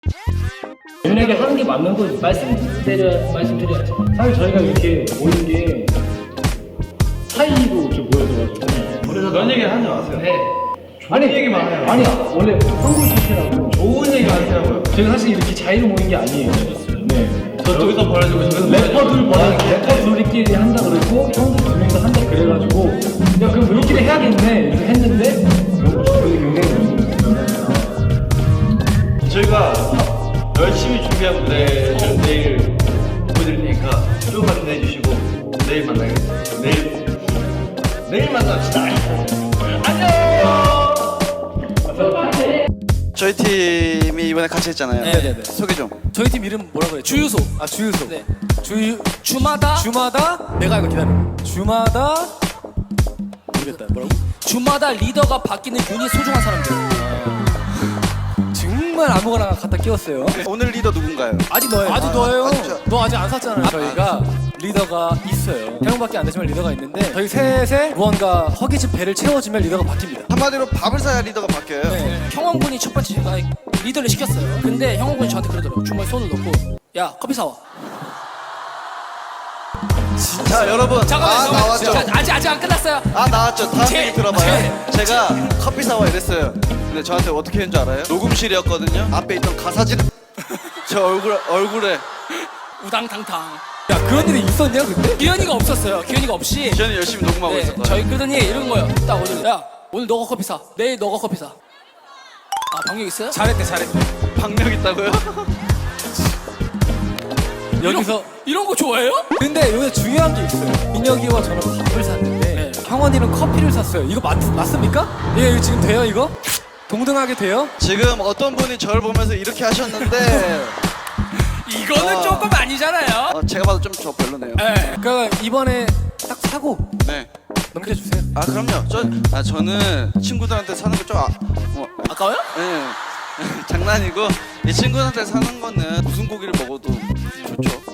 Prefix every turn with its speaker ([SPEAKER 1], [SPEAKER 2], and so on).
[SPEAKER 1] 연예계 하는 게 맞는 거 말씀드려야죠. 사실 저희가 이렇게 모인 게 사이로 좀 모여서가지고.
[SPEAKER 2] 그래서 그런 얘기 하지 마세요.
[SPEAKER 1] 네.
[SPEAKER 2] 좋은 얘기만 해요.
[SPEAKER 1] 아니 원래 한국 자체라고
[SPEAKER 2] 좋은 얘기 하시라고요.
[SPEAKER 1] 저희가 사실 이렇게 자유로 모인 게 아니에요. 네.
[SPEAKER 2] 저쪽에서 벌어지고 저기서
[SPEAKER 1] 래퍼 둘이끼리 한다 그랬고 형들 두 명이서 한다 그래가지고 야 그럼 우리끼리 해야겠네 이렇게 했는데 저희 굉장히
[SPEAKER 2] 저희가 열심히 준비한 무대를 내일 보여드릴 테니까 조금만 기대해 주시고 내일 만나겠습니다. 내일 만납시다. 안녕.
[SPEAKER 3] 저희 팀이 이번에 같이 했잖아요.
[SPEAKER 4] 네네네.
[SPEAKER 3] 소개 좀.
[SPEAKER 4] 저희 팀 이름 뭐라고 해요?
[SPEAKER 5] 주유소.
[SPEAKER 4] 아 주유소.
[SPEAKER 5] 네.
[SPEAKER 4] 주마다 내가 이거 기다려. 주마다 모르겠다. 뭐라고?
[SPEAKER 5] 주마다 리더가 바뀌는 유닛 소중한 사람들.
[SPEAKER 4] 정말 아무거나 갖다 끼웠어요.
[SPEAKER 3] 오늘 리더 누군가요?
[SPEAKER 4] 아직 너예요. 아직 너예요.
[SPEAKER 3] 맞죠?
[SPEAKER 4] 너 아직 안 샀잖아요. 저희가 리더가 있어요. 세 명밖에 안 되지만 리더가 있는데 저희 셋에 무언가 허기진 배를 채워주면 리더가 바뀝니다.
[SPEAKER 3] 한마디로 밥을 사야 리더가 바뀌어요.
[SPEAKER 4] 네.
[SPEAKER 5] 형원군이 첫 번째 제가 리더를 시켰어요. 근데 형원군이 저한테 그러더라고요. 주머니에 손을 넣고 야 커피 사와.
[SPEAKER 3] 자 여러분,
[SPEAKER 5] 잠깐만요.
[SPEAKER 3] 나왔죠.
[SPEAKER 5] 자, 아직 안 끝났어요.
[SPEAKER 3] 나왔죠. 다음
[SPEAKER 5] 제-
[SPEAKER 3] 얘기 들어봐요. 제가 커피 사와 이랬어요. 근데 저한테 어떻게 했는 줄 알아요? 녹음실이었거든요. 앞에 있던 가사지를 저 얼굴에
[SPEAKER 5] 우당탕탕.
[SPEAKER 4] 야 그런 일이 있었냐 그때?
[SPEAKER 5] 기현이가 없었어요. 기현이가 없이.
[SPEAKER 3] 저는 열심히 녹음하고
[SPEAKER 5] 네,
[SPEAKER 3] 있었거든요.
[SPEAKER 5] 저희 그러더니 이런 거예요. 딱 오늘 야 오늘 너가 커피 사. 내일 너가 커피 사. 아 방역 있어요?
[SPEAKER 4] 잘했대.
[SPEAKER 3] 박력 있다고요?
[SPEAKER 4] 여기서
[SPEAKER 5] 이런 거 좋아해요?
[SPEAKER 4] 근데 여기 중요한 게 있어요. 민혁이와 저는 밥을 샀는데
[SPEAKER 5] 네.
[SPEAKER 4] 형원이는 커피를 샀어요. 이거 맞습니까? 예, 이거 지금 돼요 이거? 동등하게 돼요?
[SPEAKER 3] 지금 어떤 분이 저를 보면서 이렇게 하셨는데
[SPEAKER 5] 이거는 조금 아니잖아요.
[SPEAKER 3] 제가 봐도 좀 저 별로네요.
[SPEAKER 5] 네.
[SPEAKER 4] 그러니까 이번에 딱 사고
[SPEAKER 3] 네.
[SPEAKER 4] 넘겨주세요.
[SPEAKER 3] 그럼요. 저는 친구들한테 사는 거 좀
[SPEAKER 5] 아까워요?
[SPEAKER 3] 네. 장난이고 이 친구한테 사는 거는 무슨 고기를 먹어도 좋죠.